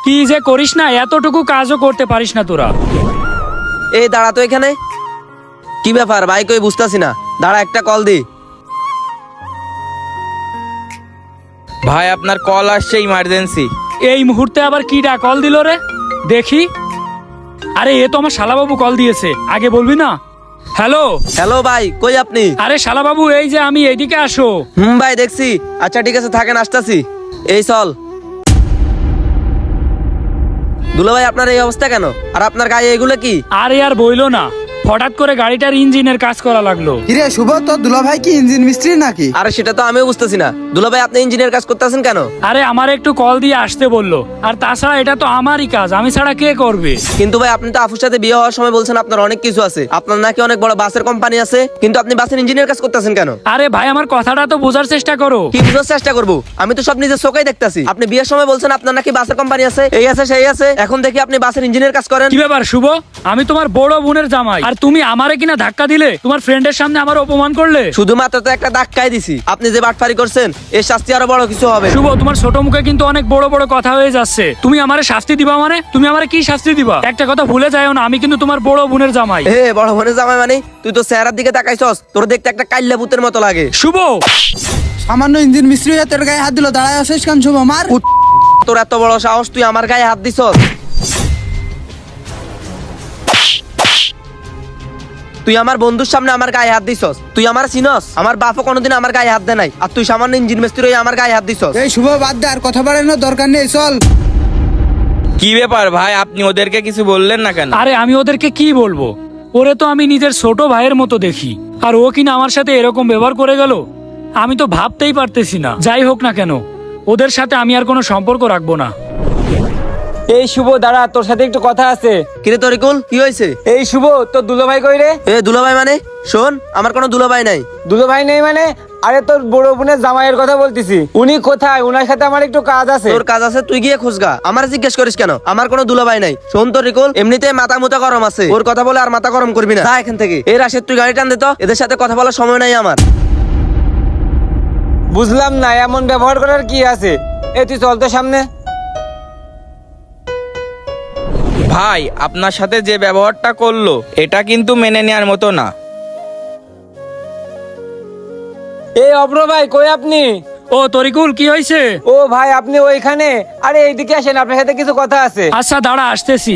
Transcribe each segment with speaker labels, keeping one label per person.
Speaker 1: কি যে করিস না, এতটুকু কাজও করতে পারিস না তোরা।
Speaker 2: এই দাঁড়া তো এখানে। কি ব্যাপার ভাই, কই বুঝতাছি না। দাঁড়া, একটা কল দি।
Speaker 3: ভাই আপনার কল আসছে, ইমার্জেন্সি।
Speaker 1: এই মুহূর্তে আবার কিডা কল দিল রে? দেখি। আরে এ তো আমার শালাবাবু কল দিয়েছে, আগে বলবি না? হ্যালো
Speaker 2: হ্যালো ভাই, কই আপনি?
Speaker 1: আরে শালাবাবু, এই যে আমি, এইদিকে আসো।
Speaker 2: ভাই দেখছি। আচ্ছা ঠিক আছে, থাকেন, আসতাছি। এই চল। দুলা ভাই, আপনার এই অবস্থা কেন? আর আপনার গায়ে এগুলো কি?
Speaker 1: আরে আর বইলো না, হঠাৎ করে গাড়িটার ইঞ্জিনের কাজ করা লাগলো।
Speaker 4: কিরে শুভ, তোর দুলা ভাই কি ইঞ্জিন মিস্ত্রি নাকি?
Speaker 2: আরে সেটা তো আমিও বুঝতেছি না। দুলা ভাই, আপনি ইঞ্জিনিয়ার কাজ করতেছেন কেন?
Speaker 1: আরে আমার একটু কল দিয়ে আসতে বললো, আর তাছাড়া এটা তো আমারই কাজ, আমি ছাড়া কে করবে?
Speaker 2: কিন্তু ভাই, আপনি তো আফুর সাথে বিয়ে হওয়ার সময় বলছেন আপনার অনেক কিছু আছে, আপনার নাকি অনেক বড় বাসের কোম্পানি আছে, কিন্তু আপনি বাসের ইঞ্জিনিয়ার কাজ করতেছেন কেন?
Speaker 1: আরে ভাই, আমার কথাটা তো বোঝার চেষ্টা করো।
Speaker 2: কি বুঝার চেষ্টা করবো? আমি তো সব নিজের চোখেই দেখতাছি। আপনি বিয়ের সময় বলছেন আপনার নাকি বাসের কোম্পানি আছে, এই আছে সেই আছে, এখন দেখি আপনি বাসের ইঞ্জিনিয়ার কাজ করেন।
Speaker 1: কি ব্যাপার শুভ? আমি তোমার বড় বোনের জামাই, আর তুমি আমারে কিনা ধাক্কা দিলে, তোমার ফ্রেন্ডের সামনে আমার অপমান করলে।
Speaker 2: শুধুমাত্র তো একটা ধাক্কাই দিছি, আপনি যে বাটফারি করছেন এর শাস্তি আরো বড় কিছু হবে।
Speaker 1: শুভ, তোমার ছোট মুখে কিন্তু অনেক বড় বড় কথা হয়ে যাচ্ছে। তুমি আমারে শাস্তি দিবা মানে? তুমি আমারে কি শাস্তি দিবা? একটা কথা ভুলে যাও না, আমি কিন্তু তোমার বড় বোনের জামাই।
Speaker 2: এ বড় বোনের জামাই মানে? তুই তো চেহারার দিকে তাকাইছস, তোর দেখতে একটা কাইল্লা ভূতের মতো লাগে।
Speaker 1: শুভ,
Speaker 4: সামান্য ইঞ্জিন মিস্ত্রি হয়ে তোর গায়ে হাত দিল, দাঁড়ায় আসিস কেন শুভ? মার।
Speaker 2: তোর এত বড় সাহস, তুই আমার গায়ে হাত দিছস? তুই আমার বন্ধুর সামনে আমার গায়ে হাত দিছস? তুই আমার চিনস? আমার বাপও কোনোদিন আমার গায়ে হাত দেয় নাই, আর তুই সামান্য ইঞ্জিন মিস্ত্রি হয়ে আমার গায়ে হাত দিছস।
Speaker 4: এই শুভ, বাদ দে, আর কথা বাড়ানোর দরকার নেই, চল।
Speaker 3: কি ব্যাপার ভাই, আপনি ওদেরকে কিছু বললেন না কেন?
Speaker 1: আরে আমি ওদেরকে কি বলবো? ওরে তো আমি নিজের ছোট ভাইয়ের মতো দেখি, আর ও কিনা আমার সাথে এরকম ব্যবহার করে গেল। আমি তো ভাবতেই পারতেছি না। যাই হোক না কেন, ওদের সাথে আমি আর কোনো সম্পর্ক রাখবো না।
Speaker 5: এই শুভ, দাঁড়া, তোর সাথে একটু কথা আছে।
Speaker 2: কিরে তরিকুল, কি হয়েছে?
Speaker 5: এই শুভ, তোর দুলো ভাই কই রে?
Speaker 2: এ দুলাভাই মানে? শোন, আমার কোনো দুলাভাই নাই।
Speaker 5: দুলো ভাই নেই মানে? আরে তোর বড় বোনের জামাইয়ের কথা বলতেছি। উনি কোথায়? উনার সাথে আমার একটু কাজ আছে।
Speaker 2: তোর কাজ আছে, তুই গিয়ে খোঁজগা, আমার জিজ্ঞেস করিস কেন? আমার কোনো দুলাভাই নাই। শোন তরিকুল, এমনিতে মাথা মুথা গরম আছে, ওর কথা বলে আর মাথা গরম করবি না। যা এখান থেকে। এই রাশেদ, তুই গাড়ি টান দে তো, এদের সাথে কথা বলার সময় নাই আমার।
Speaker 5: বুঝলাম না, এমন ব্যবহার করার কি আছে? এই তুই চল তো সামনে।
Speaker 3: ভাই আপনার সাথে যে ব্যবহারটা করলো, এটা কিন্তু মেনে নেওয়ার মতো না।
Speaker 5: এই অব্র ভাই, কই আপনি?
Speaker 1: ও তরিকুল, কি হয়েছে?
Speaker 5: ও ভাই, আপনি ওইখানে? আরে এইদিকে আসেন, আপনার সাথে কিছু কথা আছে।
Speaker 1: আচ্ছা দাঁড়া, আসতেছি।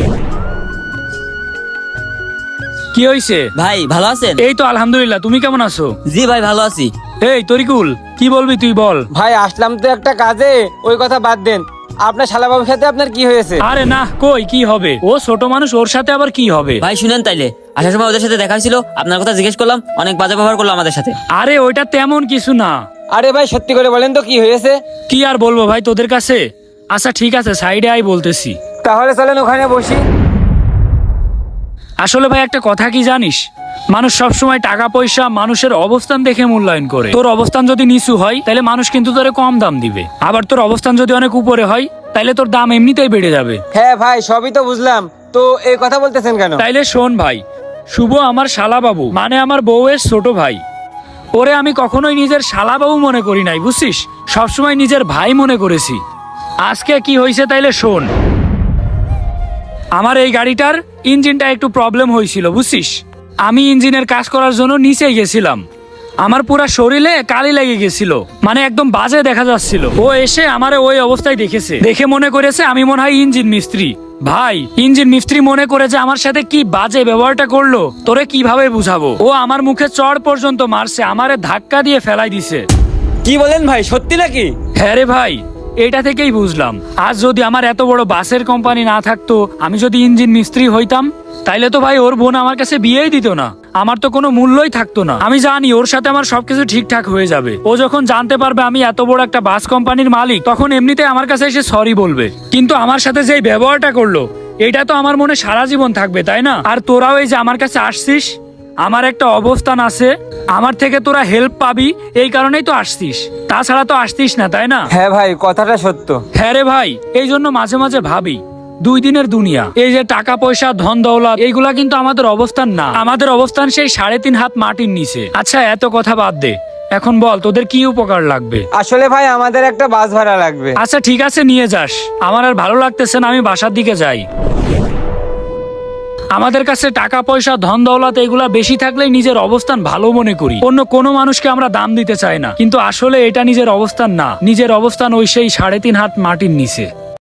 Speaker 1: কি হয়েছে?
Speaker 6: ভাই ভালো আছেন?
Speaker 1: এই তো আলহামদুলিল্লাহ, তুমি কেমন আছো?
Speaker 6: জি ভাই ভালো আছি।
Speaker 1: এই তরিকুল, কি বলবি তুই বল।
Speaker 5: ভাই আসলাম তো একটা কাজে, ওই কথা বাদ দেন। আপনার শালাবাবুর সাথে আপনার কি হয়েছে?
Speaker 1: আরে না, কই কি হবে? ও ছোট মানুষ, ওর সাথে আবার কি হবে?
Speaker 6: ভাই শুনেন, তাইলে আসার সময় ওদের সাথে দেখা হয়েছিল, আপনার কথা জিজ্ঞেস করলাম, অনেক বাজে ব্যবহার করলো আমাদের সাথে।
Speaker 1: আরে ওইটা তেমন কিছু না।
Speaker 5: আরে ভাই সত্যি করে বলেন তো, কি হয়েছে?
Speaker 1: কি আর বলবো ভাই তোদের কাছে? আচ্ছা ঠিক আছে, সাইডে আই বলতেছি।
Speaker 5: তাহলে চলেন ওখানে বসি।
Speaker 1: আসলে ভাই একটা কথা কি জানিস, মানুষ সবসময় টাকা পয়সা, মানুষের অবস্থান দেখে মূল্যায়ন করে। তোর অবস্থান যদি নিচু হয়, তাহলে মানুষ কিন্তু তোরে কম দাম দিবে। আবার তোর অবস্থান যদি অনেক উপরে হয়, তাহলে তোর দাম এমনিতেই বেড়ে যাবে।
Speaker 5: হ্যাঁ ভাই, সবই তো বুঝলাম, তো এই কথা বলতেছেন কেন?
Speaker 1: তাইলে শোন ভাই, শুভ আমার শালাবাবু, মানে আমার বউয়ের ছোট ভাই। ওরে আমি কখনোই নিজের শালাবাবু মনে করি নাই, বুঝছিস? সবসময় নিজের ভাই মনে করেছি। আজকে কি হয়েছে তাইলে শোন। আমার এই গাড়িটার ইঞ্জিনটা একটু প্রবলেম হয়েছিল, বুঝছিস? আমি ইঞ্জিনের কাজ করার জন্য নিচে গেছিলাম, আমার পুরা শরীরে কালি লেগে গেছিল, মানে একদম বাজে দেখা যাচ্ছিল। ও এসে আমারে ওই অবস্থায় দেখেছে, দেখে মনে করেছে আমি মনে হয় ইঞ্জিন মিস্ত্রি। ভাই ইঞ্জিন মিস্ত্রি মনে করে যে আমার সাথে কি বাজে ব্যবহারটা করলো, তোরে কিভাবে বুঝাবো? ও আমার মুখে চড় পর্যন্ত মারছে, আমারে ধাক্কা দিয়ে ফেলাই দিছে।
Speaker 5: কি বলেন ভাই, সত্যি নাকি?
Speaker 1: হ্যাঁ রে ভাই, এটা থেকেই বুঝলাম, আজ যদি আমার এত বড় বাসের কোম্পানি না থাকতো, আমি যদি ইঞ্জিন মিস্ত্রি হইতাম, তাইলে তো ভাই ওর বোন আমার কাছে বিয়েই দিত না, আমার তো কোনো মূল্যই থাকতো না। আমি জানি ওর সাথে আমার সবকিছু ঠিকঠাক হয়ে যাবে। ও যখন জানতে পারবে আমি এত বড় একটা বাস কোম্পানির মালিক, তখন এমনিতে আমার কাছে এসে সরি বলবে। কিন্তু আমার সাথে যে ব্যবহারটা করলো, এটা তো আমার মনে সারা জীবন থাকবে, তাই না? আর তোরাও এই যে আমার কাছে আসছিস, আমার একটা অবস্থান আছে, আমার থেকে তোরা হেল্প পাবি, এই কারণেই তো আসছিস, তাছাড়া তো আসতিস না, তাই না?
Speaker 5: হ্যাঁ ভাই, কথাটা সত্য।
Speaker 1: হ্যাঁ রে ভাই, এই জন্য মাঝে মাঝে ভাবি, দুই দিনের দুনিয়া, এই যে টাকা পয়সা ধন দৌলত, এইগুলা কিন্তু আমাদের অবস্থান না। আমাদের অবস্থান সেই 3.5 হাত মাটির নিচে। আচ্ছা এত কথা বাদ দে, এখন বল তোদের কি উপকার লাগবে?
Speaker 5: আসলে ভাই আমাদের একটা বাস ভাড়া লাগবে।
Speaker 1: আচ্ছা ঠিক আছে, নিয়ে যাস। আমার আর ভালো লাগতেছে না, আমি বাসার দিকে যাই। আমাদের কাছে টাকা পয়সা ধন দৌলত এগুলা বেশি থাকলেই নিজের অবস্থান ভালো মনে করি, অন্য কোনো মানুষকে আমরা দাম দিতে চাই না, কিন্তু আসলে এটা নিজের অবস্থান না, নিজের অবস্থান ওই সেই 3.5 হাত মাটির নিচে।